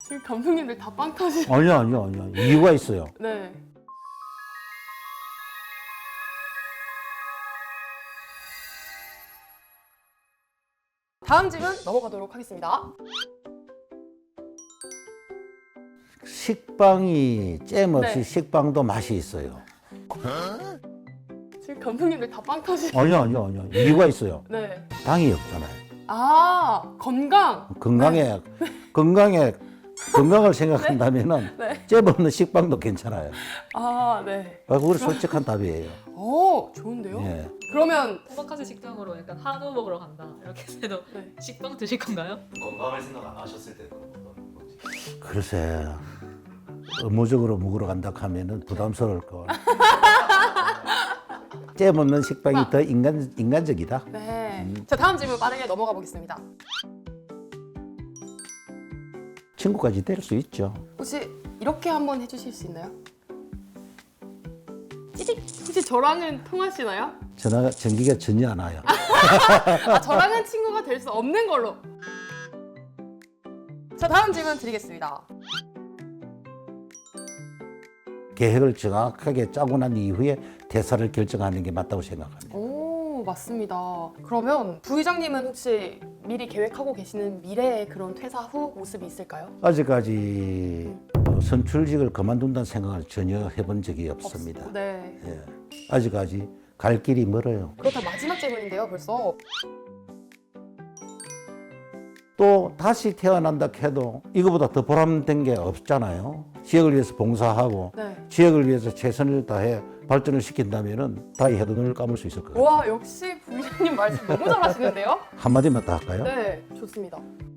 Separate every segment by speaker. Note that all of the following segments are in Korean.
Speaker 1: 지금 감독님들 다 빵 터지.
Speaker 2: 아니야. 이유가 있어요.
Speaker 1: 네. 다음 질문 넘어가도록 하겠습니다.
Speaker 2: 식빵이 잼 없이
Speaker 1: 네.
Speaker 2: 식빵도 맛이 있어요.
Speaker 1: 지금 감독님들 다 빵 터지.
Speaker 2: 아니야. 이유가 있어요.
Speaker 1: 네.
Speaker 2: 당이 없잖아요.
Speaker 1: 아, 건강.
Speaker 2: 건강을 생각한다면은
Speaker 1: 네.
Speaker 2: 잼 없는 식빵도 괜찮아요.
Speaker 1: 아, 네.
Speaker 2: 그거 솔직한 답이에요.
Speaker 1: 오, 좋은데요?
Speaker 2: 예.
Speaker 1: 그러면
Speaker 3: 오마카세 식당으로 약간 한우 먹으러 간다 이렇게 해도
Speaker 1: 네.
Speaker 3: 식빵 드실 건가요?
Speaker 4: 건강을 생각 안 하셨을 때 그런 건지.
Speaker 2: 글쎄, 의무적으로 먹으러 간다 하면은 부담스러울 거. 잼 없는 식빵이 더 인간적이다.
Speaker 1: 네. 자, 다음 질문 빠르게 넘어가 보겠습니다.
Speaker 2: 친구까지 될 수 있죠.
Speaker 1: 혹시 이렇게 한번 해주실 수 있나요? 찌릿. 혹시 저랑은 통하시나요?
Speaker 2: 전기가 전혀 안 와요.
Speaker 1: 아, 저랑은 친구가 될 수 없는 걸로. 자, 다음 질문 드리겠습니다.
Speaker 2: 계획을 정확하게 짜고 난 이후에 대사를 결정하는 게 맞다고 생각합니다.
Speaker 1: 오, 맞습니다. 그러면 부의장님은 혹시 미리 계획하고 계시는 미래의 그런 퇴사 후 모습이 있을까요?
Speaker 2: 아직까지 선출직을 그만둔다는 생각을 전혀 해본 적이 없습니다.
Speaker 1: 네.
Speaker 2: 예. 아직까지 갈 길이 멀어요.
Speaker 1: 그렇다 마지막 질문인데요, 벌써.
Speaker 2: 또 다시 태어난다 해도 이거보다 더 보람된 게 없잖아요. 지역을 위해서 봉사하고
Speaker 1: 네.
Speaker 2: 지역을 위해서 최선을 다해 발전을 시킨다면은 다이 해도 눈을 감을 수 있을 거예요.
Speaker 1: 와, 역시 부의장님 말씀 너무 잘하시는데요?
Speaker 2: 한마디만 더 할까요?
Speaker 1: 네, 좋습니다.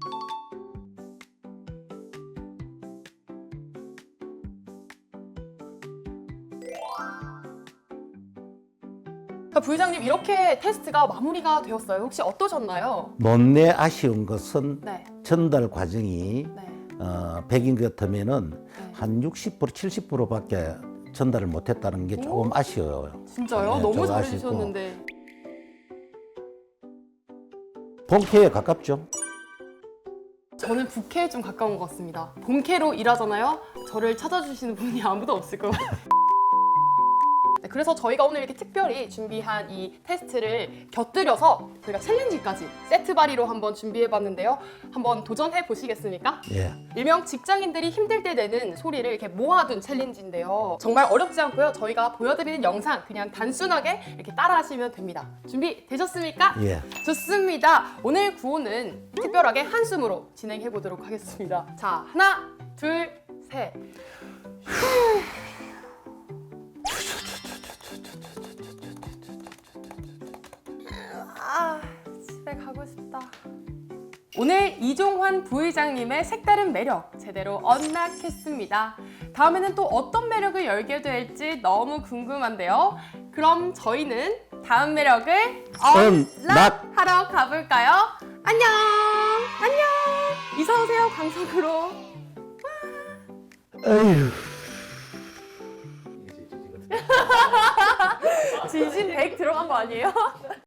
Speaker 1: 자, 부의장님 이렇게 테스트가 마무리가 되었어요. 혹시 어떠셨나요?
Speaker 2: 못내 아쉬운 것은
Speaker 1: 네,
Speaker 2: 전달 과정이
Speaker 1: 네,
Speaker 2: 100인 같으면은
Speaker 1: 네.
Speaker 2: 한 60% 70%밖에 전달을 못했다는 게 조금 아쉬워요.
Speaker 1: 진짜요?
Speaker 2: 네,
Speaker 1: 너무
Speaker 2: 저거
Speaker 1: 잘해주셨는데.
Speaker 2: 본캐에 가깝죠.
Speaker 1: 저는 부캐에 좀 가까운 것 같습니다. 본캐로 일하잖아요. 저를 찾아주시는 분이 아무도 없을 것 같아요. 네, 그래서 저희가 오늘 이렇게 특별히 준비한 이 테스트를 곁들여서 저희가 챌린지까지 세트 발의로 한번 준비해봤는데요. 한번 도전해 보시겠습니까?
Speaker 2: 예.
Speaker 1: 일명 직장인들이 힘들 때 내는 소리를 이렇게 모아둔 챌린지인데요. 정말 어렵지 않고요. 저희가 보여드리는 영상 그냥 단순하게 이렇게 따라하시면 됩니다. 준비 되셨습니까?
Speaker 2: 예.
Speaker 1: 좋습니다. 오늘 구호는 특별하게 한숨으로 진행해 보도록 하겠습니다. 자, 하나, 둘, 셋. 아, 집에 가고 싶다. 오늘 이종환 부의장님의 색다른 매력 제대로 언락했습니다. 다음에는 또 어떤 매력을 열게 될지 너무 궁금한데요. 그럼 저희는 다음 매력을 언락하러 가볼까요? 안녕! 안녕! 이사오세요, 강석으로.
Speaker 2: 에휴.
Speaker 1: 지진 100 들어간 거 아니에요?